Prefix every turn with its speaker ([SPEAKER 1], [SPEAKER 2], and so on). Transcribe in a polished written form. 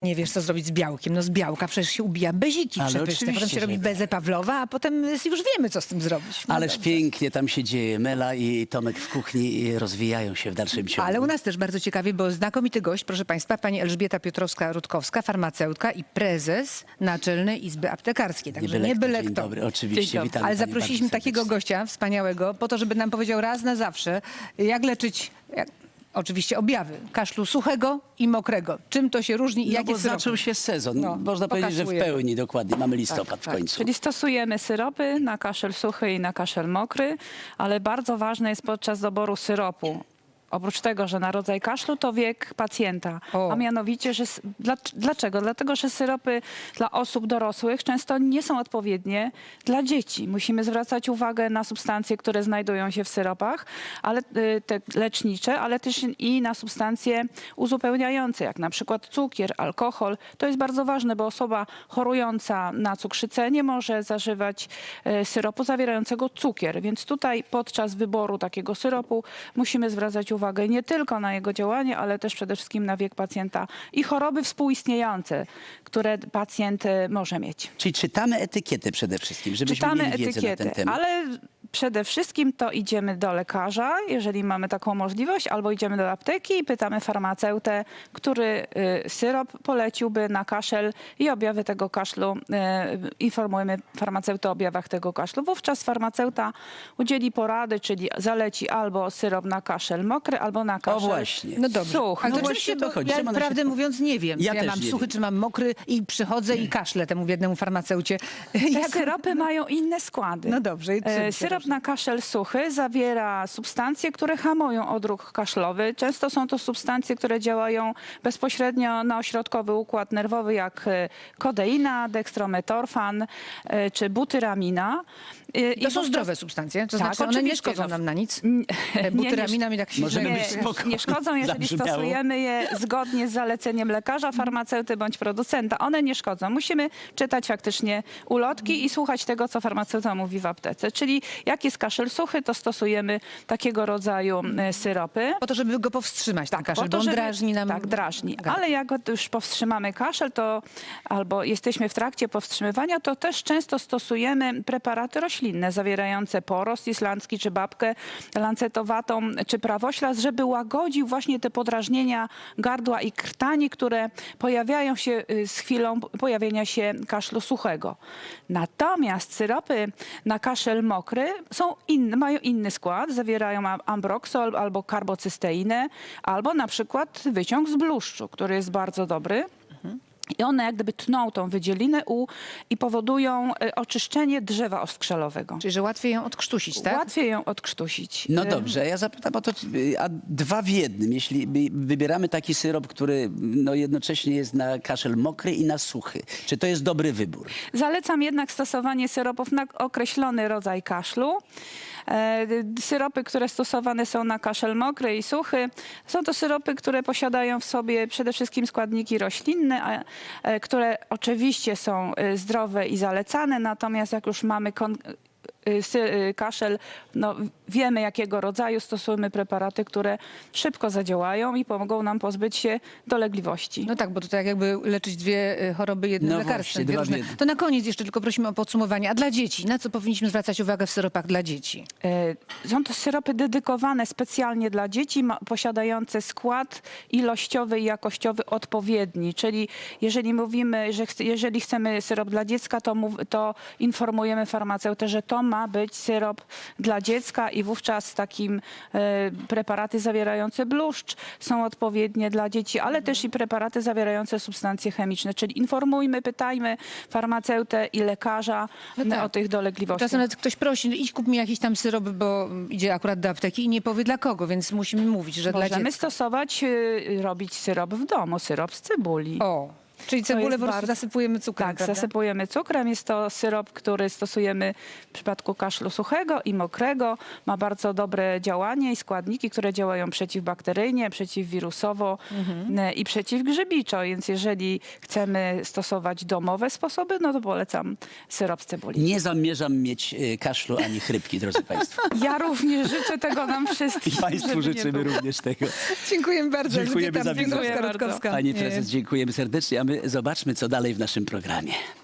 [SPEAKER 1] Nie wiesz, co zrobić z białkiem. No z białka przecież się ubija beziki
[SPEAKER 2] Ale
[SPEAKER 1] przepyszne. Potem
[SPEAKER 2] oczywiście,
[SPEAKER 1] się robi
[SPEAKER 2] że
[SPEAKER 1] bezę Pawlowa, a potem już wiemy, co z tym zrobić. No
[SPEAKER 2] Ależ
[SPEAKER 1] dobrze.
[SPEAKER 2] pięknie tam się dzieje. Mela i Tomek w kuchni rozwijają się w dalszym ciągu.
[SPEAKER 1] Ale u nas też bardzo ciekawie, bo znakomity gość, proszę państwa, pani Elżbieta Piotrowska-Rutkowska, farmaceutka i prezes Naczelnej Izby Aptekarskiej. Także nie byle
[SPEAKER 2] Dzień
[SPEAKER 1] kto.
[SPEAKER 2] dobry, oczywiście,
[SPEAKER 1] Dzień dobry.
[SPEAKER 2] witamy
[SPEAKER 1] Ale
[SPEAKER 2] pani
[SPEAKER 1] zaprosiliśmy
[SPEAKER 2] bardzo
[SPEAKER 1] takiego
[SPEAKER 2] serdecznie.
[SPEAKER 1] gościa wspaniałego po to, żeby nam powiedział raz na zawsze, jak leczyć... Oczywiście objawy kaszlu suchego i mokrego. Czym to się różni i
[SPEAKER 2] No
[SPEAKER 1] jakie
[SPEAKER 2] bo
[SPEAKER 1] syropy?
[SPEAKER 2] zaczął się sezon.
[SPEAKER 1] No,
[SPEAKER 2] Można powiedzieć, że w
[SPEAKER 1] pokasujemy.
[SPEAKER 2] pełni dokładnie. Mamy listopad w
[SPEAKER 1] tak.
[SPEAKER 2] końcu.
[SPEAKER 3] Czyli stosujemy syropy na kaszel suchy i na kaszel mokry, ale bardzo ważne jest podczas doboru syropu. Oprócz tego, że na rodzaj kaszlu to wiek pacjenta,
[SPEAKER 1] O.
[SPEAKER 3] a mianowicie, że dlaczego? Dlatego, że syropy dla osób dorosłych często nie są odpowiednie dla dzieci. Musimy zwracać uwagę na substancje, które znajdują się w syropach, ale te lecznicze, ale też i na substancje uzupełniające, jak na przykład cukier, alkohol. To jest bardzo ważne, bo osoba chorująca na cukrzycę nie może zażywać syropu zawierającego cukier, więc tutaj podczas wyboru takiego syropu musimy zwracać uwagę nie tylko na jego działanie, ale też przede wszystkim na wiek pacjenta i choroby współistniejące, które pacjent może mieć.
[SPEAKER 2] Czyli czytamy etykietę przede wszystkim, żebyśmy
[SPEAKER 3] Czytamy
[SPEAKER 2] mieli wiedzę na ten
[SPEAKER 3] etykietę,
[SPEAKER 2] temat.
[SPEAKER 3] ale przede wszystkim to idziemy do lekarza, jeżeli mamy taką możliwość, albo idziemy do apteki i pytamy farmaceutę, który syrop poleciłby na kaszel i objawy tego kaszlu. Informujemy farmaceutę o objawach tego kaszlu. Wówczas farmaceuta udzieli porady, czyli zaleci albo syrop na kaszel mokry, albo na
[SPEAKER 2] O
[SPEAKER 3] kaszel
[SPEAKER 2] właśnie.
[SPEAKER 1] No dobrze.
[SPEAKER 3] suchy.
[SPEAKER 1] Ale
[SPEAKER 2] No
[SPEAKER 1] to
[SPEAKER 2] właśnie
[SPEAKER 1] oczywiście,
[SPEAKER 2] o to
[SPEAKER 1] bo
[SPEAKER 2] chodzi,
[SPEAKER 1] ja
[SPEAKER 2] że ona się-
[SPEAKER 1] prawdę mówiąc nie wiem,
[SPEAKER 2] Ja
[SPEAKER 1] czy ja
[SPEAKER 2] też
[SPEAKER 1] mam
[SPEAKER 2] nie
[SPEAKER 1] suchy,
[SPEAKER 2] wiem.
[SPEAKER 1] czy mam mokry i przychodzę i kaszlę temu biednemu farmaceucie.
[SPEAKER 3] Te syropy mają inne składy.
[SPEAKER 1] No dobrze. I czym się
[SPEAKER 3] Syrop
[SPEAKER 1] różni?
[SPEAKER 3] na kaszel suchy zawiera substancje, które hamują odruch kaszlowy. Często są to substancje, które działają bezpośrednio na ośrodkowy układ nerwowy, jak kodeina, dekstrometorfan czy butyramina.
[SPEAKER 1] To są zdrowe substancje, to
[SPEAKER 3] Tak,
[SPEAKER 1] znaczy one nie
[SPEAKER 3] oczywiście,
[SPEAKER 1] szkodzą
[SPEAKER 3] no.
[SPEAKER 1] nam na nic.
[SPEAKER 3] Nie,
[SPEAKER 1] Butyramina mi tak się
[SPEAKER 2] Możemy
[SPEAKER 1] źle-
[SPEAKER 2] być spokojni.
[SPEAKER 3] nie szkodzą, jeżeli
[SPEAKER 2] Zabrzmiało.
[SPEAKER 3] stosujemy je zgodnie z zaleceniem lekarza, farmaceuty bądź producenta. One nie szkodzą. Musimy czytać faktycznie ulotki i słuchać tego, co farmaceuta mówi w aptece. Czyli jak jest kaszel suchy, to stosujemy takiego rodzaju syropy.
[SPEAKER 1] Po to, żeby go powstrzymać, ten kaszel,
[SPEAKER 3] Po
[SPEAKER 1] bo
[SPEAKER 3] to,
[SPEAKER 1] on
[SPEAKER 3] żeby-
[SPEAKER 1] drażni nam.
[SPEAKER 3] Tak, drażni.
[SPEAKER 1] gardło.
[SPEAKER 3] Ale jak już powstrzymamy kaszel, to albo jesteśmy w trakcie powstrzymywania, to też często stosujemy preparaty roślinne zawierające porost islandzki, czy babkę lancetowatą, czy prawoślas, żeby łagodził właśnie te podrażnienia gardła i krtani, które pojawiają się z chwilą pojawienia się kaszlu suchego. Natomiast syropy na kaszel mokry są inne, mają inny skład, zawierają ambroksol albo karbocysteinę, albo na przykład wyciąg z bluszczu, który jest bardzo dobry. I one jak gdyby tną tą wydzielinę i powodują oczyszczenie drzewa oskrzelowego.
[SPEAKER 1] Czyli, że łatwiej ją odkrztusić, tak?
[SPEAKER 3] Łatwiej ją odkrztusić.
[SPEAKER 2] No dobrze, ja zapytam o to, a dwa w jednym. Jeśli wybieramy taki syrop, który no jednocześnie jest na kaszel mokry i na suchy, czy to jest dobry wybór?
[SPEAKER 3] Zalecam jednak stosowanie syropów na określony rodzaj kaszlu. Syropy, które stosowane są na kaszel mokry i suchy, są to syropy, które posiadają w sobie przede wszystkim składniki roślinne, które oczywiście są zdrowe i zalecane, natomiast jak już mamy kaszel, no wiemy jakiego rodzaju, stosujemy preparaty, które szybko zadziałają i pomogą nam pozbyć się dolegliwości.
[SPEAKER 1] No tak, bo to tak jakby leczyć dwie choroby jednym
[SPEAKER 2] No
[SPEAKER 1] lekarstwem.
[SPEAKER 2] właśnie,
[SPEAKER 1] dwie
[SPEAKER 2] dwa w
[SPEAKER 1] różne.
[SPEAKER 2] jednym.
[SPEAKER 1] To na koniec jeszcze tylko prosimy o podsumowanie. A dla dzieci? Na co powinniśmy zwracać uwagę w syropach dla dzieci?
[SPEAKER 3] Są to syropy dedykowane specjalnie dla dzieci, posiadające skład ilościowy i jakościowy odpowiedni. Czyli jeżeli mówimy, że jeżeli chcemy syrop dla dziecka, to informujemy farmaceutę, że to ma być syrop dla dziecka i wówczas takim preparaty zawierające bluszcz są odpowiednie dla dzieci, ale też i preparaty zawierające substancje chemiczne. Czyli informujmy, pytajmy farmaceutę i lekarza
[SPEAKER 1] No tak.
[SPEAKER 3] o tych dolegliwościach.
[SPEAKER 1] Czasem nawet ktoś prosi, no idź kup mi jakiś tam syrop, bo idzie akurat do apteki i nie powie dla kogo, więc musimy mówić, że dla
[SPEAKER 3] Możemy
[SPEAKER 1] dziecka.
[SPEAKER 3] stosować, robić syrop w domu, syrop z cebuli.
[SPEAKER 1] O, czyli cebulę
[SPEAKER 3] jest
[SPEAKER 1] po prostu
[SPEAKER 3] bardzo-
[SPEAKER 1] zasypujemy cukrem,
[SPEAKER 3] Tak,
[SPEAKER 1] prawda?
[SPEAKER 3] zasypujemy cukrem. Jest to syrop, który stosujemy w przypadku kaszlu suchego i mokrego. Ma bardzo dobre działanie i składniki, które działają przeciwbakteryjnie, przeciwwirusowo i przeciwgrzybiczo. Więc jeżeli chcemy stosować domowe sposoby, no to polecam syrop z cebuli.
[SPEAKER 2] Nie zamierzam mieć kaszlu ani chrypki, drodzy Państwo.
[SPEAKER 3] Ja również życzę tego nam wszystkim.
[SPEAKER 2] I Państwu
[SPEAKER 3] żeby nie
[SPEAKER 2] życzymy
[SPEAKER 3] było.
[SPEAKER 2] również tego.
[SPEAKER 1] Dziękujemy bardzo.
[SPEAKER 2] Dziękujemy
[SPEAKER 1] Elżbieta
[SPEAKER 2] za wizytę.
[SPEAKER 1] Piotrowska-Rutkowska.
[SPEAKER 2] Pani prezes, dziękujemy serdecznie, a my zobaczmy, co dalej w naszym programie.